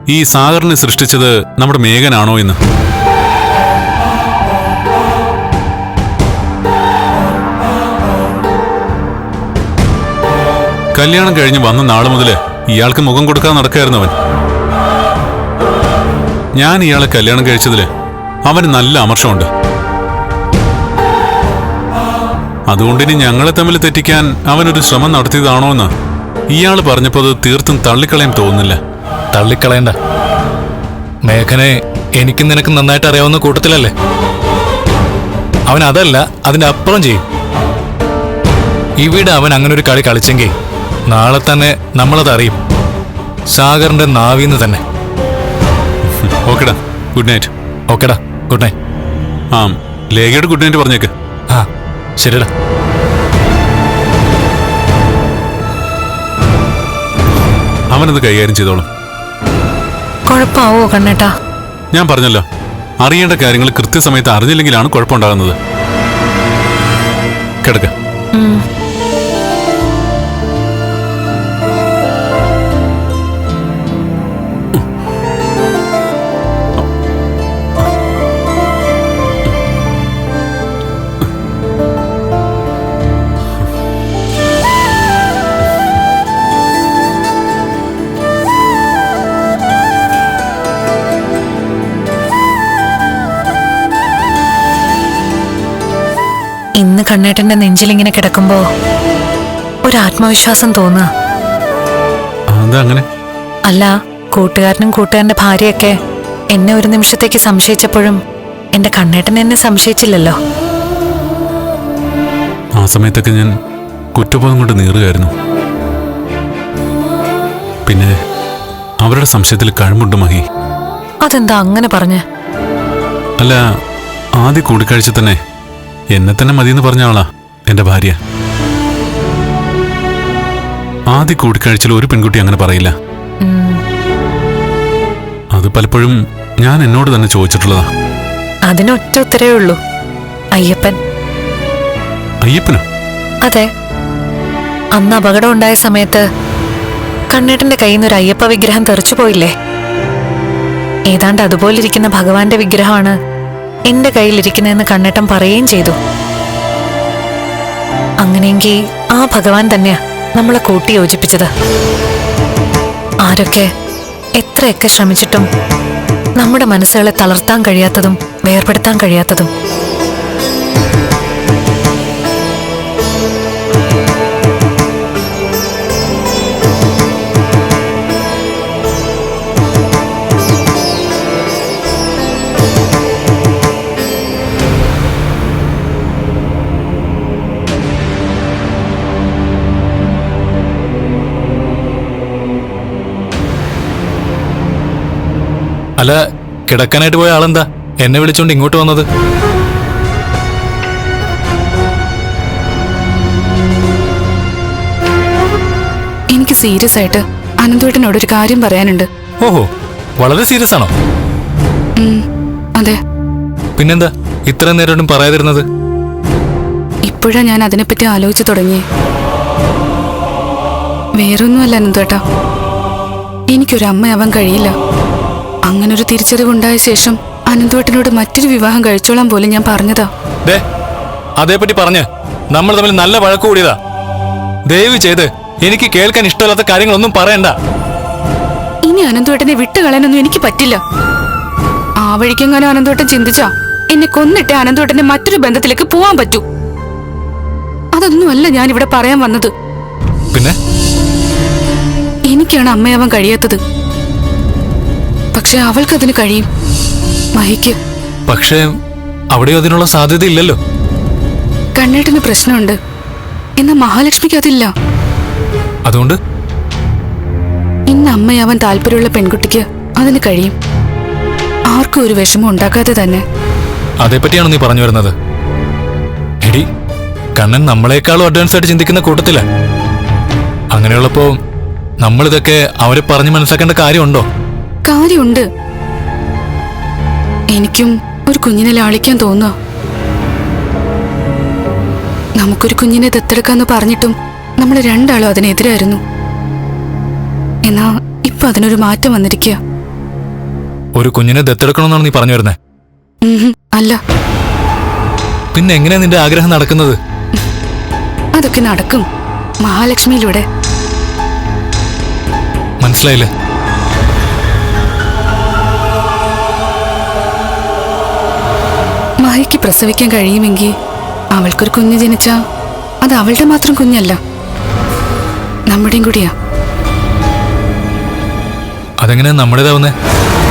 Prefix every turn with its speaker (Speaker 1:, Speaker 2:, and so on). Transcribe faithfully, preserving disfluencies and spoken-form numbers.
Speaker 1: ഈ സാഗറിനെ സൃഷ്ടിച്ചത് നമ്മുടെ മേഘനാണോ എന്ന്. കല്യാണം കഴിഞ്ഞ് വന്ന നാള് മുതല് ഇയാൾക്ക് മുഖം കൊടുക്കാൻ നടക്കായിരുന്നവൻ. ഞാൻ ഇയാളെ കല്യാണം കഴിച്ചതില് അവന് നല്ല അമർഷമുണ്ട്. അതുകൊണ്ടിനി ഞങ്ങളെ തമ്മിൽ തെറ്റിക്കാൻ അവനൊരു ശ്രമം നടത്തിയതാണോ എന്ന് ഇയാൾ പറഞ്ഞപ്പോൾ അത് തീർത്തും തള്ളിക്കളയാൻ തോന്നുന്നില്ല.
Speaker 2: തള്ളിക്കളയണ്ട. മേഘനെ എനിക്കും നിനക്കും നന്നായിട്ട് അറിയാവുന്ന കൂട്ടത്തിലല്ലേ. അവൻ അതല്ല അതിന്റെ അപ്പുറം ചെയ്യും. ഇവിടെ അവൻ അങ്ങനെ ഒരു കളി കളിച്ചെങ്കിൽ നാളെ തന്നെ നമ്മളത് അറിയും. സാഗറിന്റെ നാവിന്ന് തന്നെ.
Speaker 1: ഓക്കെടാ, ഗുഡ് നൈറ്റ്.
Speaker 2: ഓക്കെടാ, ഗുഡ് നൈറ്റ്.
Speaker 1: ആ, ലേഖയോട് ഗുഡ് നൈറ്റ് പറഞ്ഞേക്ക്.
Speaker 2: ആ, ശരിടാ.
Speaker 1: അവനത് കൈകാര്യം ചെയ്തോളും.
Speaker 3: കുഴപ്പമാവോ കണ്ണേട്ടാ?
Speaker 1: ഞാൻ പറഞ്ഞല്ലോ, അറിയേണ്ട കാര്യങ്ങൾ കൃത്യസമയത്ത് അറിഞ്ഞില്ലെങ്കിലാണ് കുഴപ്പമുണ്ടാകുന്നത്. കിടക്ക.
Speaker 3: ഇന്ന് കണ്ണേട്ടന്റെ നെഞ്ചിലിങ്ങനെ കിടക്കുമ്പോ ഒരു ആത്മവിശ്വാസം തോന്നുക.
Speaker 1: അതങ്ങനെ
Speaker 3: അല്ല, കൂട്ടുകാരനും കൂട്ടുകാരന്റെ ഭാര്യയൊക്കെ എന്നെ ഒരു നിമിഷത്തേക്ക് സംശയിച്ചപ്പോഴും എന്റെ കണ്ണേട്ടൻ എന്നെ സംശയിച്ചില്ലല്ലോ.
Speaker 1: ആ സമയത്തൊക്കെ ഞാൻ കുറ്റബോധം കൊണ്ട് നീറുകയായിരുന്നു. പിന്നെ അവരുടെ സംശയത്തിൽ കഴമ്പുണ്ട് മഹി.
Speaker 3: അതെന്താ അങ്ങനെ പറഞ്ഞ്?
Speaker 1: അല്ല, ആദ്യ കൂടിക്കാഴ്ച തന്നെ എന്നെ തന്നെ മതിയെന്ന് പറഞ്ഞ ആളാ എന്റെ ഭാര്യ. ആദ്യ കൂടിക്കാഴ്ചയിൽ ഒരു പെൺകുട്ടി അങ്ങനെ പറയില്ല. അത് പലപ്പോഴും ഞാൻ എന്നോട് തന്നെ ചോദിച്ചിട്ടുള്ളതാ.
Speaker 3: അതിനൊറ്റ ഉത്തരവേ ഉള്ളൂ, അയ്യപ്പൻ.
Speaker 1: അയ്യപ്പനോ?
Speaker 3: അതെ, അന്ന് അപകടം ഉണ്ടായ സമയത്ത് കണ്ണേട്ടന്റെ കയ്യിൽ നിന്ന് ഒരു അയ്യപ്പ വിഗ്രഹം തെറിച്ചു പോയില്ലേ? ഏതാണ്ട് അതുപോലിരിക്കുന്ന ഭഗവാന്റെ വിഗ്രഹമാണ് എന്റെ കയ്യിലിരിക്കുന്നതെന്ന് കണ്ണേട്ടൻ പറയുകയും ചെയ്തു. അങ്ങനെയെങ്കിൽ ആ ഭഗവാൻ തന്നെയാ നമ്മളെ കൂട്ടി യോജിപ്പിച്ചത്. ആരൊക്കെ എത്രയൊക്കെ ശ്രമിച്ചിട്ടും നമ്മുടെ മനസ്സുകളെ തളർത്താൻ കഴിയാത്തതും വേർപെടുത്താൻ കഴിയാത്തതും.
Speaker 2: അല്ല, കിടക്കാനായിട്ട് പോയ ആളെന്താ എന്നെ വിളിച്ചോണ്ട് ഇങ്ങോട്ട് വന്നത്?
Speaker 4: എനിക്ക് സീരിയസ് ആയിട്ട് അനന്തേട്ടനോട് ഒരു കാര്യം പറയാനുണ്ട്.
Speaker 2: ഓഹോ, വളരെ സീരിയസ് ആണോ?
Speaker 4: അതെ.
Speaker 2: പിന്നെന്താ ഇത്രയും നേരം പറയാതിരുന്നത്?
Speaker 4: ഇപ്പോഴാ ഞാൻ അതിനെപ്പറ്റി ആലോചിച്ചു തുടങ്ങി. വേറൊന്നുമല്ല അനന്തേട്ടാ, എനിക്കൊരു അമ്മയാവാൻ കഴിയില്ല. അങ്ങനൊരു തിരിച്ചറിവുണ്ടായ ശേഷം അനന്തേട്ടനോട് മറ്റൊരു വിവാഹം കഴിച്ചോളാൻ പോലും ഞാൻ പറഞ്ഞതാ.
Speaker 2: അതേപറ്റി പറഞ്ഞ് നമ്മൾ തമ്മിൽ നല്ല വഴക്ക് കൂടിയതാ. ദയവ് ചെയ്ത് എനിക്ക് കേൾക്കാൻ ഇഷ്ടമില്ലാത്ത കാര്യങ്ങളൊന്നും പറയണ്ട.
Speaker 4: ഇനി അനന്തേട്ടനെ വിട്ടുകളയാനൊന്നും എനിക്ക് പറ്റില്ല. ആ വഴിക്കെങ്ങാനും അനന്തേട്ടൻ ചിന്തിച്ചാ എന്നെ കൊന്നിട്ട് അനന്തേട്ടന്റെ മറ്റൊരു ബന്ധത്തിലേക്ക് പോവാൻ പറ്റൂ. അതൊന്നുമല്ല ഞാൻ ഇവിടെ പറയാൻ വന്നത്.
Speaker 2: പിന്നെ
Speaker 4: എനിക്കാണ് അമ്മയാവാൻ കഴിയാത്തത്. പക്ഷെ അവൾക്കതിന് കഴിയും, മഹിക്ക്.
Speaker 2: പക്ഷേ അവിടെയോ അതിനുള്ള സാധ്യത ഇല്ലല്ലോ.
Speaker 4: കണ്ണേട്ടന് പ്രശ്നമുണ്ട്, എന്നാ മഹാലക്ഷ്മിക്ക് അതില്ല.
Speaker 2: അതുകൊണ്ട്
Speaker 4: ഇന്ന് അമ്മയാവാൻ താല്പര്യമുള്ള പെൺകുട്ടിക്ക് അതിന് കഴിയും, ആർക്കും ഒരു വിഷമം ഉണ്ടാക്കാതെ തന്നെ.
Speaker 2: അതേപ്പറ്റിയാണോ നീ പറഞ്ഞു വരുന്നത്? എടി, കണ്ണൻ നമ്മളെക്കാളും അഡ്വാൻസ് ആയിട്ട് ചിന്തിക്കുന്ന കൂട്ടത്തില. അങ്ങനെയുള്ളപ്പോ നമ്മളിതൊക്കെ അവരെ പറഞ്ഞു മനസ്സിലാക്കേണ്ട കാര്യമുണ്ടോ?
Speaker 4: കാര്യമുണ്ട്. എനിക്കും ഒരു കുഞ്ഞിനെ ലാളിക്കാൻ തോന്നുക. നമുക്കൊരു കുഞ്ഞിനെ ദത്തെടുക്കാന്ന് പറഞ്ഞിട്ടും നമ്മൾ രണ്ടാളും അതിനെതിരായിരുന്നു. എന്നാ ഇപ്പൊ അതിനൊരു മാറ്റം വന്നിരിക്കുക.
Speaker 2: ഒരു കുഞ്ഞിനെ ദത്തെടുക്കണമെന്നാണ് നീ പറഞ്ഞു വരുന്നത്?
Speaker 4: ഉം, അല്ല.
Speaker 2: പിന്നെ എങ്ങനെയാ നിന്റെ ആഗ്രഹം നടക്കുന്നത്?
Speaker 4: അതൊക്കെ നടക്കും മഹാലക്ഷ്മിയിലൂടെ.
Speaker 2: മനസ്സിലായില്ലേ?
Speaker 4: മഹിക്ക് പ്രസവിക്കാൻ കഴിയുമെങ്കിൽ അവൾക്കൊരു കുഞ്ഞ് ജനിച്ചാ അത് അവളുടെ മാത്രം കുഞ്ഞല്ല, നമ്മുടെയും കൂടിയാ.
Speaker 2: അതെങ്ങനെയാ നമ്മുടേതാവുന്നേ?